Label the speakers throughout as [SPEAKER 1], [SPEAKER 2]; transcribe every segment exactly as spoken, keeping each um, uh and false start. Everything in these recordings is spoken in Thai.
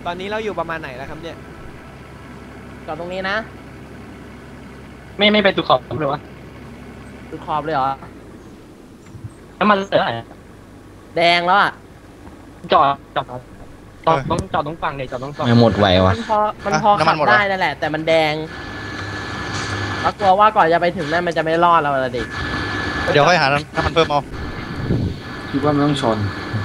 [SPEAKER 1] ตอนนี้เราอยู่ประมาณไหนแล้วครับเนี่ย
[SPEAKER 2] จอดตรงนี้นะ
[SPEAKER 3] ไม่ไม่ไปตุขอบเลยวะ
[SPEAKER 2] ตุขอบเลยเหรอ
[SPEAKER 3] น้ำมันเหลืออะไร
[SPEAKER 2] แดงแล้วอ่ะ
[SPEAKER 3] จอดจอดจอดต้องจอดต้องฟังเลยจอดต้องฟัง
[SPEAKER 4] ไม่หมดไววะ
[SPEAKER 2] มันพอมันพอขับได้นั่นแหละแต่มันแดงเรากลัวว่าก่อนจะไปถึงนั่นมันจะไม่รอดเราละดิ
[SPEAKER 5] เดี๋ยวค่อยหาน้ำมันเพิ่มเอา
[SPEAKER 4] คิดว่าไม่ต้องชน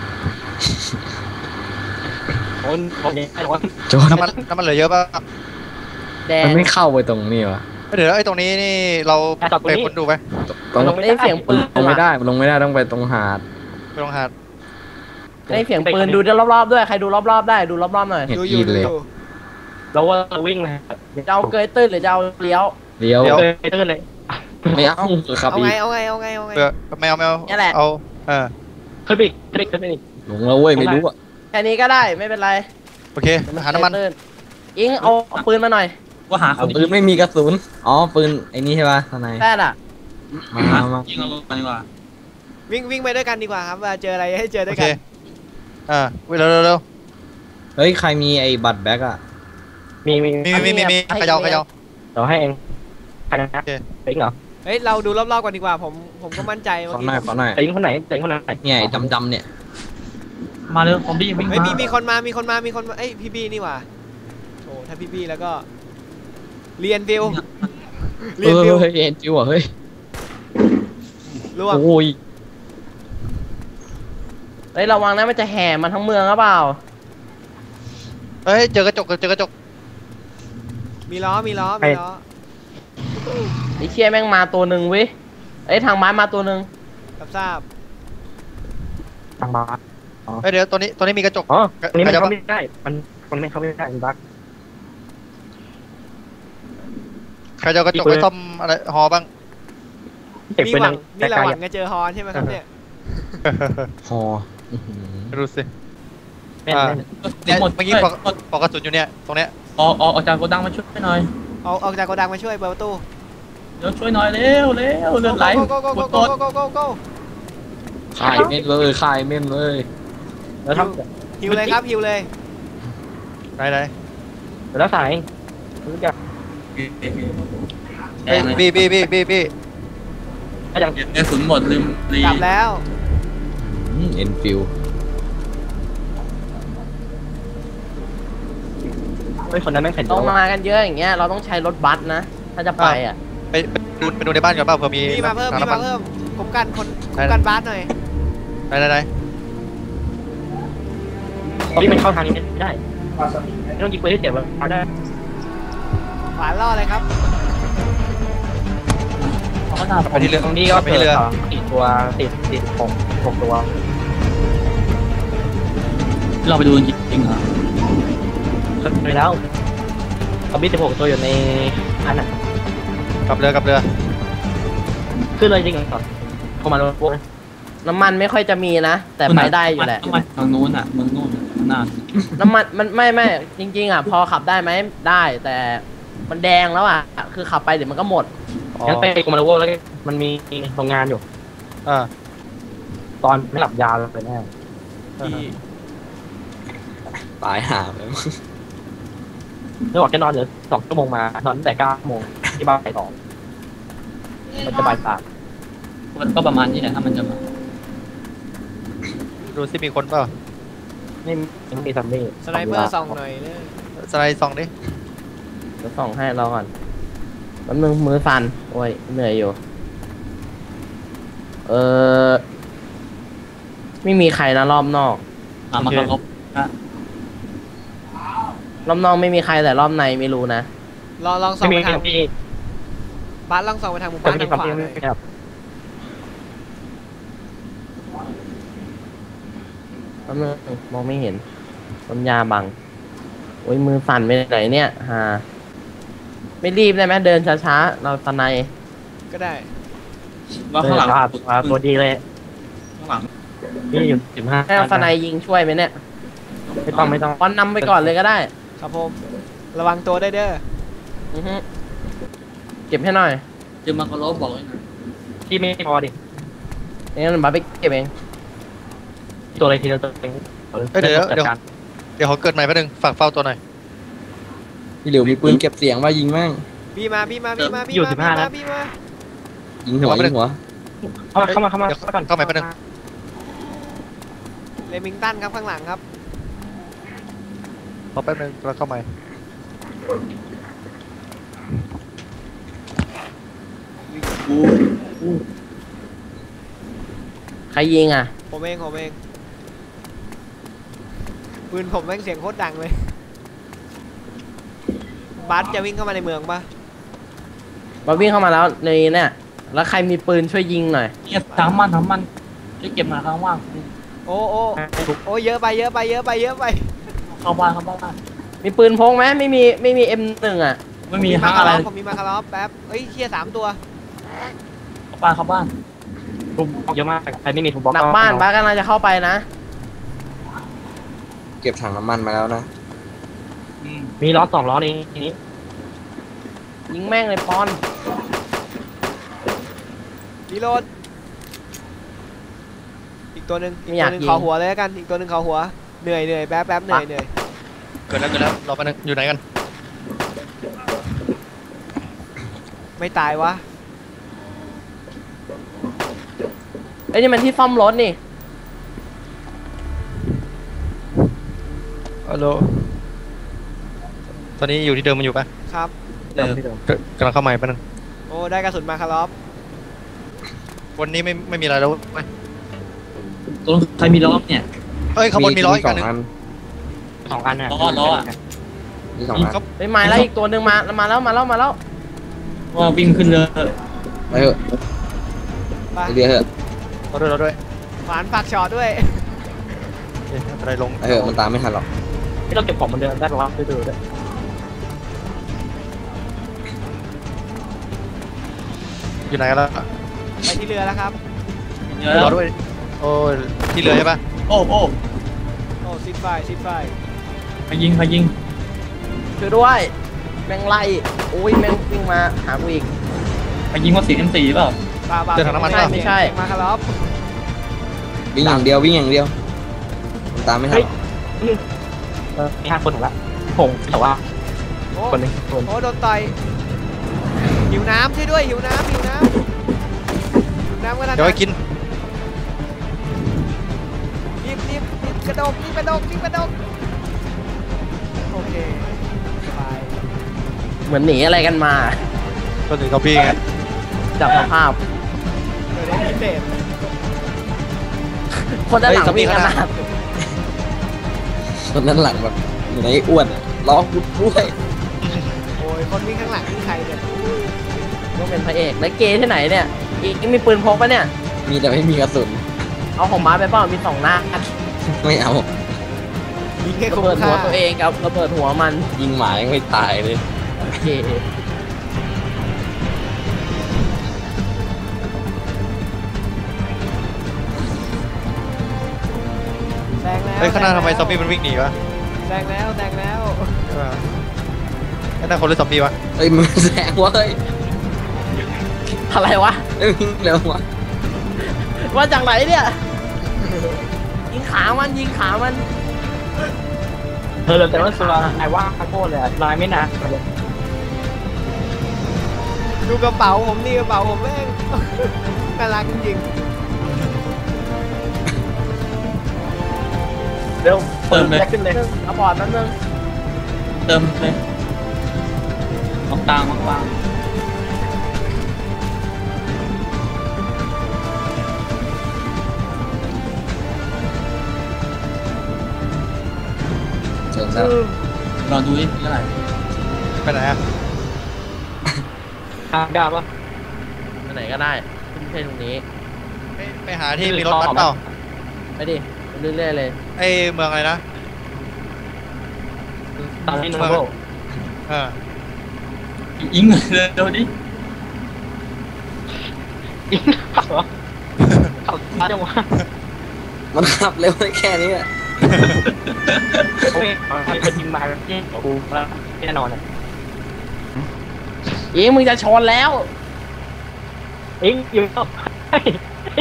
[SPEAKER 3] โอนโอนไอ้โอน
[SPEAKER 4] จน
[SPEAKER 5] น้ำมันน้ำมันเหลือเยอะป่ะ
[SPEAKER 2] แดง
[SPEAKER 4] มันไม่เข้าไปตรงนี้วะ
[SPEAKER 5] เดี๋ยวไอ้ตรงนี้นี่เราไปคนดูไป
[SPEAKER 4] ตรง
[SPEAKER 2] ได้เสียงปืน
[SPEAKER 4] ลงไม่ได้ลงไม่ได้ต้องไปตรงหาด
[SPEAKER 5] ไปตรงหาด
[SPEAKER 2] ได้เสียงปืนดูรอบๆด้วยใครดูรอบๆได้ดูรอบๆหน่อย
[SPEAKER 1] ดูอยู่เลย
[SPEAKER 3] เราว่าวิ่งเลย
[SPEAKER 2] จะเอาเกยตื้นหรือจะเอาเลี้ยว
[SPEAKER 4] เลี้ยว
[SPEAKER 3] เกยตื้นเลย
[SPEAKER 4] ไม่เอาครับ
[SPEAKER 1] เอาไงเอาไงเอาไงเอาไง
[SPEAKER 5] ไม่เอาไม่เอา
[SPEAKER 2] นี่แหละ
[SPEAKER 5] เอาเออ
[SPEAKER 3] ขึ้นไปขึ้นไปขึ้นไปอีก
[SPEAKER 4] ลงแล้วเว้ยไม่รู้อ่ะ
[SPEAKER 2] แค่นี้ก็ได้ไม่เป็นไร
[SPEAKER 5] โอเคหาน้ำมัน
[SPEAKER 2] อิงเอาปืนมาหน่อย
[SPEAKER 4] ว่าหาปืนไม่มีกระสุนอ๋อปืนไอ้นี่ใช่ป่ะทนาย
[SPEAKER 2] แค่น่ะ
[SPEAKER 4] มามา
[SPEAKER 6] ยิงเอาลงไปดีกว่า
[SPEAKER 1] วิ่งวิ่งไปด้วยกันดีกว่าครับเจออะไรให้เจอด้วยกัน
[SPEAKER 5] อ่าเร็วเร็วเร็ว
[SPEAKER 4] เฮ้ยใครมีไอ้บัตรแบ็กอะ
[SPEAKER 3] มีมี
[SPEAKER 5] มีมีมีมีขยาวขยาว
[SPEAKER 3] เดี๋ยวให้เองใครนะเองเหรอ
[SPEAKER 1] เฮ้ยเราดูรอบๆก่อนดีกว่าผมผมก็มั่นใจว่า
[SPEAKER 4] ขอหน่อยขอหน่อย
[SPEAKER 3] เองคนไหนเองคนไหน
[SPEAKER 4] เนี่ยดำดำเนี่ย
[SPEAKER 6] มาเร็วผมบี้วิ่งมา
[SPEAKER 1] เฮ้ยมีมีคนมามีคนมามีคนมาเอ้ยพี่บี้นี่หว่าโอ้ถ้าพี่บี้แล้วก็เรียนฟิว
[SPEAKER 4] เรียนฟิวเฮ้ยเรียนฟิวอ่ะเฮ้ย
[SPEAKER 1] ร่วง
[SPEAKER 4] โอ้ย
[SPEAKER 2] เฮ้ยระวังนะมันจะแห่มันทั้งเมืองหรือเปล่า
[SPEAKER 5] เฮ้ยเจอกระจกเจอกระจก
[SPEAKER 1] มีล้อมีล้อมีล้อ
[SPEAKER 2] ไอ้เชี่ยแม่งมาตัวหนึ่งวิไอ้ทางไม้มาตัวหนึ่ง
[SPEAKER 1] รับทราบ
[SPEAKER 3] ทางไม้
[SPEAKER 5] เฮ้ยเดี๋ยวตัวนี้ตัวนี้มีกระจก
[SPEAKER 3] อ๋ออันนี้มันเข้าไม่ได้มันมันไม่เข้าไม่ได้มันบั๊ก
[SPEAKER 5] ใครจะกระจกไปซ่อมอะไรฮอบ้าง
[SPEAKER 1] มีหวังนี่เราหวังจะเจอฮอใช่ไหมครับเนี่ย
[SPEAKER 4] ฮอ
[SPEAKER 5] รู้สิเนี่ยเมื่อกี้ปอกกระสุนอยู่เนี่ยตรงเนี้ย
[SPEAKER 6] ออกออกจากโกดังมาช่วยหน่อย
[SPEAKER 1] ออกออกจากโกดังมาช่วยเปิดประตู
[SPEAKER 6] เดี๋ยวช่วยหน่อยเร็วเร็วเลือดไหลหมดตัว
[SPEAKER 4] ขายเม่นเลยขายเม่นเลย
[SPEAKER 3] แล้วท
[SPEAKER 1] ำฮิวเลยครับฮิวเลย
[SPEAKER 5] ไหนไหน
[SPEAKER 3] แล้วสายรู้จัก
[SPEAKER 5] บี้บี้บี้บี้บี้
[SPEAKER 6] อย่างเงี้ยสุนหมดลืมรี
[SPEAKER 1] กลับแล้ว
[SPEAKER 4] เอ็นฟิว
[SPEAKER 3] ไอ้คนนั้นแม่งแข็ง
[SPEAKER 2] ต้องมากันเยอะอย่างเงี้ยเราต้องใช้รถบัสนะถ้าจะไปอ่ะ
[SPEAKER 5] ไปดูไปดูในบ้านก่อนเปล่าเผื่อมี
[SPEAKER 1] มีมาเพิ่มมีมาเพิ่มผมกันคนผมกันบัสหน่อย
[SPEAKER 5] ไหนไหนไหน
[SPEAKER 3] ที่มันเข้าทางนี้ไม่ได้ไม่ต้องยิงปืนที่เจ็บเอาได้
[SPEAKER 1] ฝาล่อเลยครับ
[SPEAKER 3] ไปที่เรือตรงนี้ก็ไปเรือสี่ตัวติดติดหกหกตัว
[SPEAKER 6] เราไปดูจริงเหรอ
[SPEAKER 3] ไปแล้วเอาบิดสิบหกตัวอยู่ในอันน่ะ
[SPEAKER 5] กับเรือกับเรือ
[SPEAKER 3] ขึ้นเลยจริงเหรอเข้ามาแล้ว
[SPEAKER 2] น้ำมันไม่ค่อยจะมีนะแต่ไปได้อยู่แหละ
[SPEAKER 6] ทางนู้นอ่ะเมืองนู้นนาน
[SPEAKER 2] น้ำมันมันไม่ไม่จริงๆอ่ะพอขับได้ไหมได้แต่มันแดงแล้วอ่ะคือขับไปเดี๋ยวมันก็หมด
[SPEAKER 3] งั้นไปกูมาแล้วแล้วมันมีโรงงานอยู่
[SPEAKER 5] อ่า
[SPEAKER 3] ตอนไม่หลับยาเลยแน่
[SPEAKER 4] ตายห่าเลย
[SPEAKER 3] ไม่บอกจะนอนเหลือสองชั่วโมงมานอนตั้งแต่เก้าโมงที่บ้านไปต่อมันจะบ่ายสาม
[SPEAKER 6] ก็ประมาณนี้แหละถ้ามันจะมา
[SPEAKER 5] ดูสิมีคนเปล่า
[SPEAKER 3] ไม่ไม่มีซัมมี่
[SPEAKER 1] สไนเปอร์ส่องหน่อยเลย
[SPEAKER 5] สไนส่องดิ
[SPEAKER 2] จะส่องให้เราก่อนมันมือมือสั่นโอ้ยเหนื่อยอยู่เออไม่มีใครนะรอบนอก
[SPEAKER 6] อ่ะมันก็ลบ
[SPEAKER 2] รอบนอกไม่มีใครแต่รอบในไม่รู้นะ
[SPEAKER 1] ลองลองส่องไปทางบ้านลองส่องไปทางหมู่บ้านทางขวา
[SPEAKER 2] เลยมองไม่เห็นต้นยาบังโอ้ยมือสั่นไปไหนเนี่ยฮะไม่รีบได้ไหมเดินช้าๆเราตะไน
[SPEAKER 1] ก็ได้
[SPEAKER 6] ว่าข้างหลัง
[SPEAKER 3] ตัวดีเลย
[SPEAKER 6] ข้างหลัง
[SPEAKER 3] นี่อยู่สิบห้า
[SPEAKER 2] ให้เอาตะไนยิงช่วยไหมเนี่ย
[SPEAKER 3] ไม่ต้องไม่ต้อง
[SPEAKER 2] ป้อนนำไปก่อนเลยก็ได้
[SPEAKER 1] ครับผมระวังตัวได้เด้อ
[SPEAKER 2] เก็บให้หน่อย
[SPEAKER 6] เดี๋ยวมาก็ลบบอกเลยนะ
[SPEAKER 3] ที่ไม่พอดิ
[SPEAKER 2] งั้นมาไปเก็บเอง
[SPEAKER 3] ตัวอะไรทีละตัวเอง
[SPEAKER 5] เดี๋ยวเดี๋ยวเดี๋ยวเขาเกิดใหม่แป๊บนึงฝากเฝ้าตัวหน่อย
[SPEAKER 4] พี่หลิวมีปืนเก็บเสียงว่ายิงมั่ง
[SPEAKER 1] พี่มาพี่มาพี่มาพี่
[SPEAKER 3] อยู่
[SPEAKER 1] มา
[SPEAKER 3] สิบห้า
[SPEAKER 1] พี่มา
[SPEAKER 3] นะ
[SPEAKER 1] พี่มา
[SPEAKER 4] ยิงหัวยิงหัว
[SPEAKER 3] เข้ามาเข้ามาเข้ามา
[SPEAKER 5] เดี๋ยว
[SPEAKER 3] เข้ามาก่อน
[SPEAKER 5] เข้าใหม่แป๊บนึง
[SPEAKER 1] เลมิงตันครับข้างหลังครับ
[SPEAKER 5] รอแป๊บนึงแล้วเข้าใหม่
[SPEAKER 2] ใครยิงอ่ะ
[SPEAKER 1] ผมเองผมเองปืนผมแม่งเสียงโคตรดังเลยบัสจะวิ่งเข้ามาในเมืองปะ
[SPEAKER 2] มาวิ่งเข้ามาแล้วในเนี่ยแล้วใครมีปืนช่วยยิงหน่อย
[SPEAKER 6] เนี่ยทั้งมันทั้งมันจะเก็บมาข้างว่าง
[SPEAKER 1] โอ้โอ้โอ้เยอะไปเยอะไปเยอะไปเยอะไป
[SPEAKER 6] เข้าบ้านเข้าบ้าน
[SPEAKER 2] มีปืนพกไหมไม่มีไม่มีเอ็มหนึ่งอ่ะ
[SPEAKER 6] ไม่มี
[SPEAKER 1] ผ
[SPEAKER 6] ทั้ง
[SPEAKER 1] คา
[SPEAKER 6] อะไร
[SPEAKER 1] ร์ลอฟผมมีมาคาร์ลอฟแป๊บเอ้ยเชียร์สามตัว
[SPEAKER 6] เข้าบ้านเข้าบ้าน
[SPEAKER 3] ทุบบล็อกเยอะมากใครไม่มีทุบบล็อก
[SPEAKER 2] หลังบ้านบ้านกำลังจะเข้าไปนะ
[SPEAKER 4] เก็บถังน้ำมันมาแล้วนะ
[SPEAKER 6] อืม
[SPEAKER 3] มีล้อสองล้อนี้ทีนี้
[SPEAKER 2] ยิงแม่งเลยปอน
[SPEAKER 1] รีโหลดอีกตัวหนึ่งอีกตัวหนึ่งขอหัวเลยแล้วกันอีกตัวหนึ่งขอหัวเหนื่อยเหนื่อยแป๊บแป๊บเหนื่อยเหนื่อย
[SPEAKER 5] เกิดแล้วเกิดแล้วรอแป๊บนึงอยู่ไหนกัน
[SPEAKER 1] ไม่ตายวะ
[SPEAKER 2] เอ้ยนี่มันที่ซ่อมรถนี่
[SPEAKER 5] ฮัลโหลตอนนี้อยู่ที่เดิมมันอยู่ปะ
[SPEAKER 1] ครับ
[SPEAKER 3] เดิมที่เดิม
[SPEAKER 5] เกิดกำลังเข้าใหม่แป๊บนึง
[SPEAKER 1] โอ้ได้กระสุนมาคาร์ลอฟ
[SPEAKER 5] วันนี้ไม่ไม่มีอะไรแล้วเว้ย
[SPEAKER 6] ตัวใครมีล้อเนี่ย
[SPEAKER 5] เอ้ยขางบวนมีร้อยอีก
[SPEAKER 4] ส
[SPEAKER 5] อั
[SPEAKER 4] อน ง
[SPEAKER 5] หนึง
[SPEAKER 4] อัน
[SPEAKER 3] สองอันน่ะ
[SPEAKER 6] ล้อล้ออะ
[SPEAKER 4] มีสองอัน
[SPEAKER 5] ครับ
[SPEAKER 2] ไปมาแล้วอีกตัวหนึ่งมามาแล้วมาแล้วมาแล้ว
[SPEAKER 6] ว่าวิ่งขึ้นเรือ
[SPEAKER 4] ไปเถอะ
[SPEAKER 1] ไป
[SPEAKER 4] ไปเรือเถอะ
[SPEAKER 5] เราด้วยเราด้วย
[SPEAKER 1] หวานฝากช็อตด้วย
[SPEAKER 5] เอ๊ะอะไรลง
[SPEAKER 4] ไปเถอะมันตามไม่ทันหรอก
[SPEAKER 3] ที่เราเก็บของเหมือนเดิมได้หรอวะดูดูด้วย
[SPEAKER 5] อยู่ไหนกันแล้ว
[SPEAKER 1] ไปที่เรือแล้วครับ
[SPEAKER 6] เรือ
[SPEAKER 5] รอด้วยโอ้ยที่เรือใช่ปะ
[SPEAKER 6] โอ้โอ้
[SPEAKER 1] โอ้ซิดไฟซิดไฟ
[SPEAKER 6] ใครยิงใครยิง
[SPEAKER 2] ช่วยด้วยแม่งไล่อุ้ยแม่งวิ่งมาหากูอีก
[SPEAKER 6] ใครยิงว่าสีเอ็มสี่เปล่า
[SPEAKER 1] ป่าป่า
[SPEAKER 2] ไม่ใช่ไม่ใช่
[SPEAKER 1] มาคาร์ลอฟ
[SPEAKER 4] วิ่งอย่างเดียววิ่งอย่างเดียวมันตามไม่ทันหรอก
[SPEAKER 3] เออมีห้าคนถึงละผงแต่ว่า
[SPEAKER 1] โอ้
[SPEAKER 3] คนหนึงคน
[SPEAKER 1] โอ้โดนต่อยหิวน้ำช่วยด้วยหิวน้ำหิวน้ำหิวน้ำกันนะ
[SPEAKER 5] เดี๋ยวไปกิน
[SPEAKER 1] รีบรีบรีบกระโดดรีบกระโดดรีบกระโดดโอเคสบาย
[SPEAKER 2] เหมือนหนีอะไรกันมา
[SPEAKER 5] ก็ถึงกับพี่ไง
[SPEAKER 2] จากสภาพ
[SPEAKER 1] เดี๋ยวได้พิเศษ
[SPEAKER 2] คนด้านหลังวิ่งขนาด
[SPEAKER 4] คนนั้นหลังแบบอยู่ในอ้วนอะล้อกุดด้วย
[SPEAKER 1] โอ้ยคนวิ่งข้างหลังนี่ใครเนี่ย
[SPEAKER 2] ต้องเป็นพระเอกแล้วเกย์ที่ไหนเนี่ยอีกมีปืนพกปะเนี่ย
[SPEAKER 4] มีแต่ไม่มีกระสุน
[SPEAKER 2] เอาของม้าไปเปล่ามีสองหน้า
[SPEAKER 4] ไม่เอา
[SPEAKER 1] ยิงแค่
[SPEAKER 2] ระ
[SPEAKER 1] คุ้ม
[SPEAKER 2] เบิดหั
[SPEAKER 1] ค่าว
[SPEAKER 2] ตัวเองกับระเบิดหัวมัน
[SPEAKER 4] ยิงหมายังไม่ตายเลย
[SPEAKER 2] โอเค
[SPEAKER 1] แซงแล้ว
[SPEAKER 5] เฮ้ยข้างหน้าทำไมซอมบี้มันวิ่งหนีวะ
[SPEAKER 1] แซงแล้วแซงแล้ว
[SPEAKER 5] ใช่ปะข้างหน้าคนหรือซอมบี้วะ
[SPEAKER 4] เอ้ยมันแซงเว้ย
[SPEAKER 2] อะไรวะ
[SPEAKER 4] เอ้ยวิ่งเร็ววะ
[SPEAKER 2] ว่าจากไหนเนี่ยยิงขามันยิงขามัน
[SPEAKER 3] เธอเลยแต่ว่าสุราไอ้ว่าคาโก้เลยลายไม่นานเลย
[SPEAKER 1] ดูกระเป๋าผมนี่กระเป๋าผมแม่ง น่ารักจริง
[SPEAKER 3] เร็ว
[SPEAKER 6] เติมเลย
[SPEAKER 3] ขึ้นเลย
[SPEAKER 2] เอาบอร์ดแป๊บนึง
[SPEAKER 6] เติมเลยมองตางมองตาง
[SPEAKER 4] เชิญแล้ว
[SPEAKER 6] รอดูนี่เท่าไหร่
[SPEAKER 5] ไปไหนอะ
[SPEAKER 3] ทางกล้าปะ
[SPEAKER 2] ไปไหนก็ได้ไม่ใช่ตรงนี้
[SPEAKER 5] ไปไปหาที่มีรถบัสเปล่า
[SPEAKER 2] ไปดิไปเรื่อยๆเลย
[SPEAKER 5] ไอ้เมืองอะไรนะ
[SPEAKER 3] ตอนนี้โนโบ
[SPEAKER 5] เออ
[SPEAKER 6] ยิงเลยเร็วดิ
[SPEAKER 3] ยิงขับเหรอขับช้าจังวะ
[SPEAKER 4] มันขับเร็วได้แค่นี้อะ
[SPEAKER 3] โอ้ยใครจะยิงมาเจ๊กูแล้วแน่นอนอ่ะ
[SPEAKER 2] ยิงมึงจะชนแล้ว
[SPEAKER 3] เอ็งอยู่ก็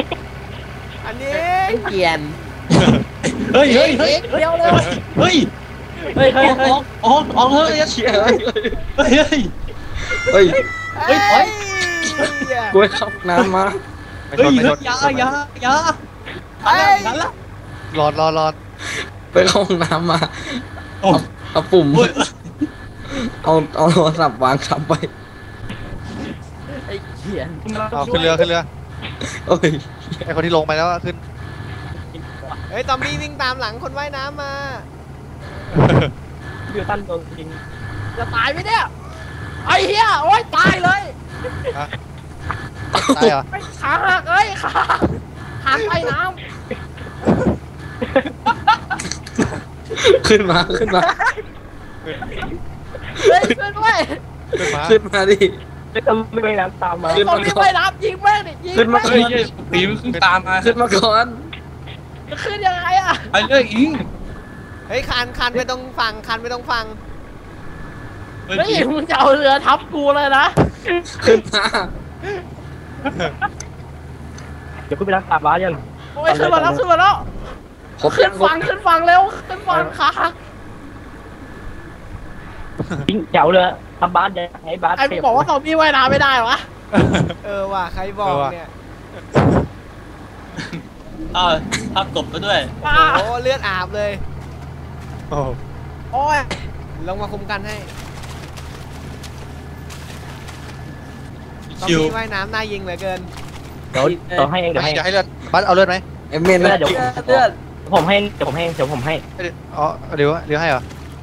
[SPEAKER 1] ๆ อันนี้
[SPEAKER 2] ไอ้เกียน
[SPEAKER 6] เฮ้ยเฮ้ยเฮ้ย
[SPEAKER 2] เดียวเลย
[SPEAKER 6] เฮ้ยเฮ้ยเฮ้ยเฮ้ยออกออกเฮ้ย
[SPEAKER 4] เชี่ยเฮ้ย
[SPEAKER 6] เฮ้ยเฮ้ย
[SPEAKER 4] เฮ้ย
[SPEAKER 1] เฮ้ย
[SPEAKER 6] เฮ้ย
[SPEAKER 4] กูไปเข้าน้ำมา
[SPEAKER 5] ไม่ช
[SPEAKER 6] เฮ้ย
[SPEAKER 5] นไม่ชน
[SPEAKER 6] ยายายา
[SPEAKER 1] เฮ้ย
[SPEAKER 6] นั่นละ
[SPEAKER 5] รอดรอดรอด
[SPEAKER 4] ไปเข้าห้องน้ำมา
[SPEAKER 6] โอ้
[SPEAKER 4] เอาเอาปุ่ม
[SPEAKER 6] โอ้ย
[SPEAKER 4] เอาเอาโทรศัพท์วางทับไป
[SPEAKER 2] ไอ้เขียน
[SPEAKER 5] เอาขึ้นเรือขึ้นเรือ
[SPEAKER 4] โอ้ย
[SPEAKER 5] ไอคนที่ลงไปแล้วอะขึ้น
[SPEAKER 1] เฮ้ยซอมบี้วิ่งตามหลังคนว่ายน้ำมา
[SPEAKER 3] เดือดตั้นโดนจริง
[SPEAKER 2] จะตายไหมเนี่ยไอ้เหี้ยโอ๊ยตายเลย
[SPEAKER 5] ตายเหรอ
[SPEAKER 2] ไม่ขาหักเอ้ยขาหักไปน้
[SPEAKER 4] ขึ้นมาขึ้นมา
[SPEAKER 2] ำเฮ้ยขึ้นด้วย
[SPEAKER 5] ขึ้นมา
[SPEAKER 4] ขึ้นมาดิ
[SPEAKER 3] ไม่ต้องไม่น้ำตามมา
[SPEAKER 4] ขึ้น
[SPEAKER 2] ตร
[SPEAKER 4] มาง
[SPEAKER 2] นี้
[SPEAKER 4] ก่อ
[SPEAKER 2] ไม่
[SPEAKER 4] น
[SPEAKER 2] รับยิงแม่งดิยิง
[SPEAKER 4] ขึ้นมา
[SPEAKER 2] แม่ง
[SPEAKER 6] เฮ้ยเฮ้ยตีมันขึ้นตามมา
[SPEAKER 4] ขึ้นมาก่อน
[SPEAKER 2] จะขึ้นยังไงอะ
[SPEAKER 6] ไปเลยอิง
[SPEAKER 1] เฮ้ยคันคันไปตรงฝั่งคันไปตรงฝั่ง
[SPEAKER 6] เฮ้ย
[SPEAKER 2] เฮ้ยมึงจะเอาเรือทับกูเลยนะ
[SPEAKER 4] ขึ้นมา
[SPEAKER 3] เดี๋ยวขึ้นไปรักษาบ้านยัง
[SPEAKER 2] โอ้ยขึ้นมาแล้วขึ้นมาแล้ว
[SPEAKER 4] ครบ
[SPEAKER 2] ขึ้
[SPEAKER 4] ยั
[SPEAKER 2] น
[SPEAKER 4] งครบ
[SPEAKER 2] ฝั่งขึ้นฝั่งเร็วขึ้นฝั่งขาหัก
[SPEAKER 3] ยิงแถวเลยทำบ้านจะให้บ้าน
[SPEAKER 2] ไอ้มึงบอกว่าซอมบี้ว่ายน้ำไม่ได้เหรอวะ
[SPEAKER 1] เออว่ะใครบอกเนี่ย
[SPEAKER 6] อ้าวทับตบไปด้วย
[SPEAKER 2] ป้า
[SPEAKER 1] โอ้เลือดอาบเลย
[SPEAKER 5] โอ้
[SPEAKER 2] โอ้ย
[SPEAKER 1] ลงมาคุมกันให้ซอม
[SPEAKER 6] ชิว
[SPEAKER 1] บี้ว่ายน้ำน่ายิงเหลือเกิน
[SPEAKER 3] เดี๋ยวเดี๋ยวให้เองเดี๋ยวให้
[SPEAKER 5] จะให้เลือดบัสเอาเลือดไหม
[SPEAKER 4] เอ็มเมน
[SPEAKER 3] เดี๋
[SPEAKER 4] นะ
[SPEAKER 3] ยว
[SPEAKER 2] เลือด
[SPEAKER 3] ผมให้เดี๋ยวผมให้เดี๋ยวผมให้
[SPEAKER 5] อ๋อเดี๋ยวเดี๋ยวให้เหรอ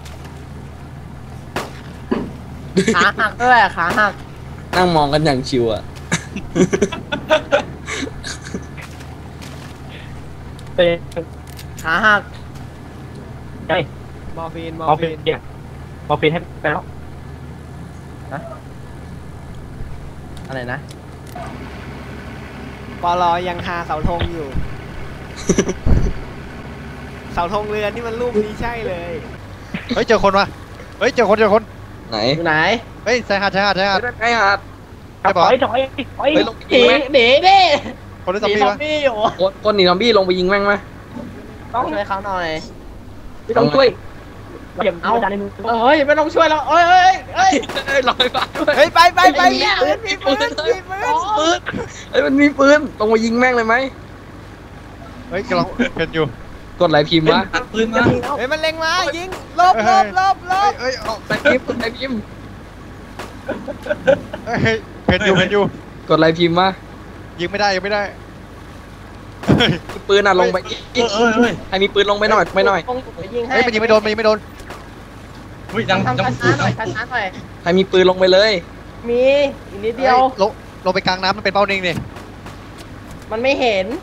[SPEAKER 2] ขาหักด้วยขาหัก
[SPEAKER 4] นั่งมองกันอย่างชิวอ่ะ
[SPEAKER 3] เป็น
[SPEAKER 2] ขาหัก
[SPEAKER 3] ใช่
[SPEAKER 1] มอร์ฟีนมอ
[SPEAKER 3] มอ
[SPEAKER 1] ร์
[SPEAKER 3] ร์ฟิ
[SPEAKER 1] ฟี
[SPEAKER 3] น
[SPEAKER 1] น
[SPEAKER 3] เดี๋ยวมอร์ฟินให้ไปแล้ว
[SPEAKER 2] อะไรนะ
[SPEAKER 1] ปลอยังหาเสาธงอยู่ เสาธงเรือนี่มันรูปนี้ใช่เลย
[SPEAKER 5] เฮ้ยเจอคนวะเฮ้ยเจอคนเจอคน
[SPEAKER 4] ไหน
[SPEAKER 2] อยู่ไหน
[SPEAKER 5] เฮ้ยชายหาดชายหาดชายหาด
[SPEAKER 4] ไอ้หาด
[SPEAKER 5] ใช่
[SPEAKER 3] ถ
[SPEAKER 5] ปะ
[SPEAKER 3] อยถอยถอย
[SPEAKER 4] เฮ้ยลงไป
[SPEAKER 2] หนี
[SPEAKER 4] ยิงแม่ง
[SPEAKER 2] หนีดิ
[SPEAKER 5] คนหรือ
[SPEAKER 2] ห
[SPEAKER 5] ซอม
[SPEAKER 2] นี
[SPEAKER 5] บี้
[SPEAKER 2] ซอ
[SPEAKER 5] วะ
[SPEAKER 2] มบี้อยู่
[SPEAKER 4] คนคนหนีซอมบี้ลงไปยิงแม่งไหม
[SPEAKER 2] ต้องช่วยเขาหน่อย
[SPEAKER 3] ไม่ต้องช่วยเดี๋ยวเอาจานในมือ
[SPEAKER 2] เฮ้ยไม่ต้องช่วยแล้วเอ้ยเอ้ยเอ้ย
[SPEAKER 4] เอ้ยลอยมาด้วย
[SPEAKER 1] เฮ้ยไปไปไป
[SPEAKER 2] ไอ้เหี้
[SPEAKER 1] มี
[SPEAKER 2] ย
[SPEAKER 1] ปืนมีปืนมีปืน
[SPEAKER 4] ปืนเอ้ยมันมีปืนลงมายิงแม่งเลยไหม
[SPEAKER 5] เฮ้ยกำลังเห็นอยู่
[SPEAKER 4] กดไหลพิมพ์วะ
[SPEAKER 6] ตัดปืนมา
[SPEAKER 1] เฮ้ยมันเล็งมายิงลบลบลบลบ
[SPEAKER 5] เฮ้ยเอ้ย
[SPEAKER 4] ไหลพิมพ์กดไหลพิมพ์
[SPEAKER 5] เฮ้ยเห็นอยู่เห็นอยู่
[SPEAKER 4] กดไหลพิมพ์วะ
[SPEAKER 5] ยิงไม่ได้ยิงไม่ได้
[SPEAKER 4] มีปืนอ่ะลงไป
[SPEAKER 6] เออเออเฮ้ย
[SPEAKER 4] ใครมีปืนลงไปหน่อยไปหน่อย
[SPEAKER 2] ต้องยิงให้
[SPEAKER 5] เฮ้ยมันยิงไม่โดนมันยิงไม่โดน
[SPEAKER 6] เฮ้ยดัง
[SPEAKER 2] ทำ
[SPEAKER 6] ดัง
[SPEAKER 2] ช้าๆหน่อยช้าๆหน่อย
[SPEAKER 4] ใครมีปืนลงไปเลย
[SPEAKER 2] มีอีกนิดเดียว
[SPEAKER 5] ฮ้ลงลงไปกลางน้ำมันเป็นเป้านิ่งนี่
[SPEAKER 2] มันไม่เห็น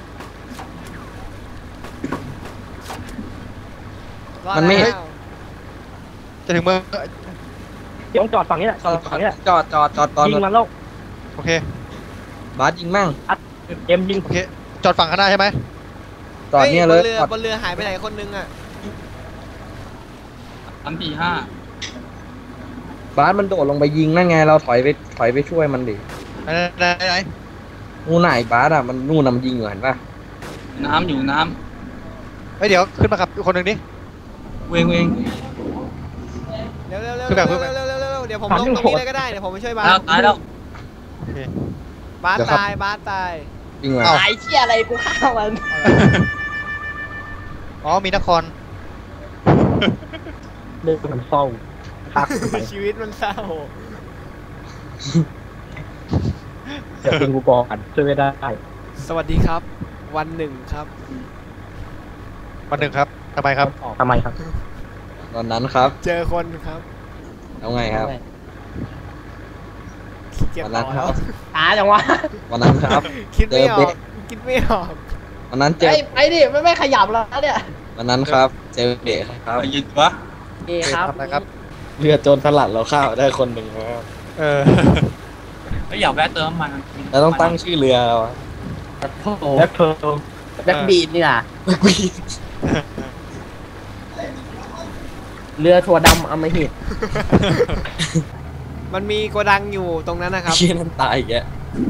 [SPEAKER 1] รอด
[SPEAKER 4] มันไม่
[SPEAKER 1] แล้ว
[SPEAKER 5] จะถึงเมือง
[SPEAKER 3] เดี๋ยวจอดฝั่งนี้แหละจอดฝั่งนี้แหละ
[SPEAKER 4] จอดจอดจอดตอน
[SPEAKER 3] ยิงมันแล้ว
[SPEAKER 5] โอเค
[SPEAKER 4] บาสยิงแม่ง
[SPEAKER 3] เอ็มยิง
[SPEAKER 5] โอเคจอดฝั่งข้างหน้าใช่ไหม
[SPEAKER 4] จอดเนี่ยเลย
[SPEAKER 1] ฮ้บนเรือ
[SPEAKER 4] จอด
[SPEAKER 1] บนเรือหายไปไหนคนนึงอ่ะ
[SPEAKER 6] สามสี่ห้า
[SPEAKER 4] บาสมันโดดลงไปยิงนั่นไงเราถอยไปถอยไปช่วยมันดิ
[SPEAKER 5] ไหนไหนไหน
[SPEAKER 4] นู่นไหนบาสอ่ะมันนู่นนำยิงอยู่เห็นปะ
[SPEAKER 6] น้ำอยู่น้
[SPEAKER 5] เฮ้ยเดี๋ยวขึ้นมาขับคนหนึ่งดิ
[SPEAKER 6] ำเวงเวง
[SPEAKER 1] เร็วเร็วเร็ว
[SPEAKER 5] คือแบบ
[SPEAKER 1] เร็วเร็วเร็วเร็วเร็วเดี๋ยวผมลงตรงนี้เลยก็ได้เดี๋ยวผมไปช่วยบาส
[SPEAKER 6] แล้วตายแล้ว
[SPEAKER 5] โอเค
[SPEAKER 1] บาสตายบาสตาย
[SPEAKER 4] ยิงมา
[SPEAKER 5] เอ้า
[SPEAKER 2] ตายเชี่ยอะไรกูฆ่ามัน
[SPEAKER 5] อ๋อมีนคร
[SPEAKER 3] เรื่องมันเศร้าพักไป
[SPEAKER 1] ชีวิตมันเศร้า
[SPEAKER 3] เดี๋ยวคุณกูบอกกันช่วยไม่ได้
[SPEAKER 1] สวัสดีครับ วันหนึ่งครับ
[SPEAKER 5] วันหนึ่งครับทำไมครับ
[SPEAKER 3] ทำไมครับ
[SPEAKER 4] ตอนนั้นครับ
[SPEAKER 1] เจอคนครับ
[SPEAKER 4] แล้วไงครับ
[SPEAKER 1] เก็บ
[SPEAKER 4] วัน
[SPEAKER 1] ต่
[SPEAKER 4] นั้น
[SPEAKER 1] อ
[SPEAKER 4] ค
[SPEAKER 1] แล้
[SPEAKER 4] รั
[SPEAKER 1] ว
[SPEAKER 4] บ
[SPEAKER 2] ตายจังวะ
[SPEAKER 4] วันนั้นครับ
[SPEAKER 1] คิดไม่อ
[SPEAKER 4] เจอ
[SPEAKER 1] อ
[SPEAKER 4] เบ๊
[SPEAKER 1] กคิดไม่ออก
[SPEAKER 4] วันนั้นเจอ
[SPEAKER 2] ไอ้ไปดิไม่ไม่ขยับแล้วเนี่ย
[SPEAKER 4] วันนั้นครับ เจอเบะครับ
[SPEAKER 6] ไปยืนวะ
[SPEAKER 2] เอครับ
[SPEAKER 5] ทำอะไรครับ
[SPEAKER 4] เรือโจรสลัดเราข้าวได้คนหนึ่งครับ
[SPEAKER 5] เออ
[SPEAKER 6] ไม่อยากแวะเติมน้ำมัน
[SPEAKER 4] เราต้องตั้งชื่อเรือเราอะ
[SPEAKER 2] โอ้โห
[SPEAKER 3] แบ็คเพิร์ล
[SPEAKER 2] แบ็คบีดนี่ล่ะเรือถั่วดำอำมหิต
[SPEAKER 1] มันมีโกดังอยู่ตรงนั้นนะครับ
[SPEAKER 4] เชี่ยนั่นตายอีกแก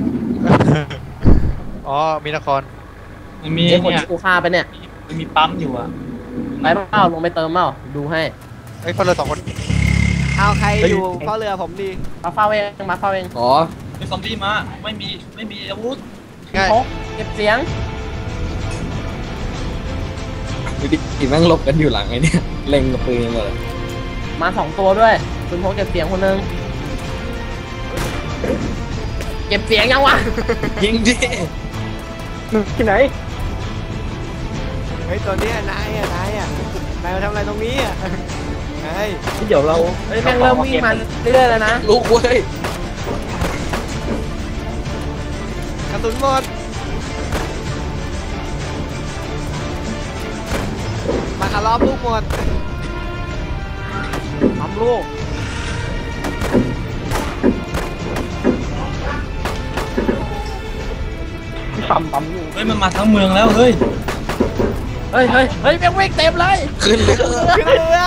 [SPEAKER 5] อ๋อมีนคร
[SPEAKER 6] มันมี
[SPEAKER 2] ไอ้คน
[SPEAKER 6] เนี่ย
[SPEAKER 2] ที่กูฆ่าไปเนี่ย
[SPEAKER 6] มันมีปั๊มอยู่อ่ะ
[SPEAKER 2] ไปเปล่าลงไปเติมเปล่าดูให้
[SPEAKER 5] ไอ้ยคนละสองคน
[SPEAKER 1] เอาใครอยู่เฝ้าเรือผมดี
[SPEAKER 2] มาเฝ้าเองมาเฝ้าเอง
[SPEAKER 4] อ๋อ
[SPEAKER 6] ไอ้ซอมบี้มาไม่มีไม่มีอาวุธ
[SPEAKER 5] ง่าย
[SPEAKER 2] พกเก็บเสียง
[SPEAKER 4] ดูดิแม่งหลบกันอยู่หลังไอ้เนี่ยเล็งกับปืนเลย
[SPEAKER 2] มาสองตัวด้วยคุณพกเก็บเสียงคนหนึงเก็บเสียงยังวะ
[SPEAKER 4] ยิงดิ
[SPEAKER 3] ที่ไหน
[SPEAKER 1] เฮ้ยตัวเนี้ยนายอ่ะนายอ่ะนายมาทำอะไรตรงนี้อ่ะนาย
[SPEAKER 3] ที่เดี๋ยวเรา
[SPEAKER 2] เฮ้ยแม่งเริ่มวิ่งมาเรื่อยๆแล้วนะ
[SPEAKER 4] ลูกเว้ย
[SPEAKER 1] กระสุนหมดมาคารอบลูกหมด
[SPEAKER 2] ทำลูก
[SPEAKER 3] ปั๊มปั๊มอยู่
[SPEAKER 6] เฮ้ยมันมาทั้งเมืองแล้วเฮ้ย
[SPEAKER 2] เฮ้ยเฮ้ยเฮ้ยแม่งวิ่งเต็มเลย
[SPEAKER 4] ขึ้นเรือ
[SPEAKER 1] ขึ้นเรือ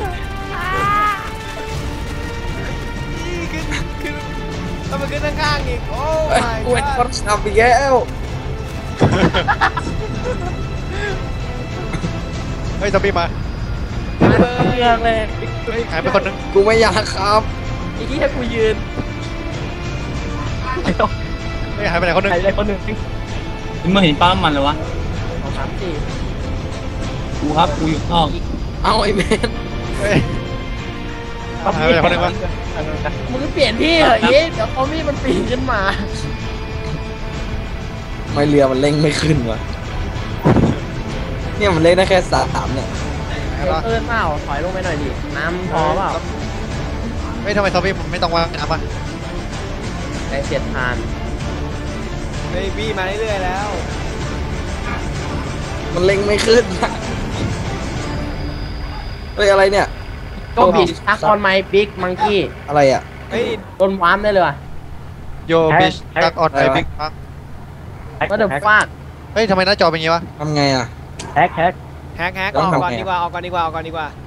[SPEAKER 1] นี่ขึ้นขึ้นต้องมาขึ้นข้างๆอีกโอ้
[SPEAKER 4] เฮ้ย
[SPEAKER 1] my
[SPEAKER 4] กูเป็น
[SPEAKER 1] god
[SPEAKER 4] คนขับอีกแล้ว
[SPEAKER 5] เฮ้ยซอมบี้มา
[SPEAKER 2] มาเรืองเลย
[SPEAKER 5] เฮ้ยหายไปคนนึง
[SPEAKER 4] กูไม่อยากขับ
[SPEAKER 2] อีกที่ให้กูยืน
[SPEAKER 5] เฮ้ยหายไปไหนคนนึง
[SPEAKER 3] ใครได้คนหนึ่ง
[SPEAKER 6] เมื่อเห็นปั๊มมันเลยวะ
[SPEAKER 2] สองสามสี่
[SPEAKER 6] กูครับกูอยู่นอก
[SPEAKER 4] เอาไอ้แมน
[SPEAKER 5] เฮ้ยหายไปไหนคนนึงวะ
[SPEAKER 2] มึงก็เปลี่ยนที่เหรออีเดี๋ยวคอมี่มันปีนขึ้นมา
[SPEAKER 4] ไม่เรือมันเร่งไม่ขึ้นวะเนี่ยมันเร่งได้แค่สามเนี่ย
[SPEAKER 5] ไหน
[SPEAKER 2] เอ
[SPEAKER 5] กันวะ
[SPEAKER 2] อเปล่าถอยลงไปหน่อยดิน้ำพอเปล่า
[SPEAKER 5] เฮ้ยทำไมซอมบี้มันไม่ต้องว่ายน้ำอ่ะ
[SPEAKER 2] ไอเสียดทาน
[SPEAKER 1] เฮ้ยบี้มาเรื่อยๆแล้ว
[SPEAKER 4] มันเร่งไม่ขึ้นอะเฮ้ยอะไรเนี่ย
[SPEAKER 2] ก็บิดทักออนไมบิ๊กมังกี้
[SPEAKER 4] อะไรอ่ะ
[SPEAKER 1] เฮ้ย
[SPEAKER 2] โดนวามได้เลยว่ะ
[SPEAKER 5] โยบิชตักออนไอบิ๊กพัง
[SPEAKER 2] ก็เดือดฟาด
[SPEAKER 5] เฮ้ยทำไมหน้าจอเป็นอย่างงี้วะ
[SPEAKER 4] ทำไงอ่ะ
[SPEAKER 3] แฮกแฮก
[SPEAKER 1] แฮกแฮก
[SPEAKER 4] ต้
[SPEAKER 1] อ
[SPEAKER 4] อง
[SPEAKER 1] อก
[SPEAKER 4] ทำ
[SPEAKER 1] ก่อน
[SPEAKER 4] ไง
[SPEAKER 1] ดีกว่าออกก่อนดีกว่าออกก่อนดีกว่า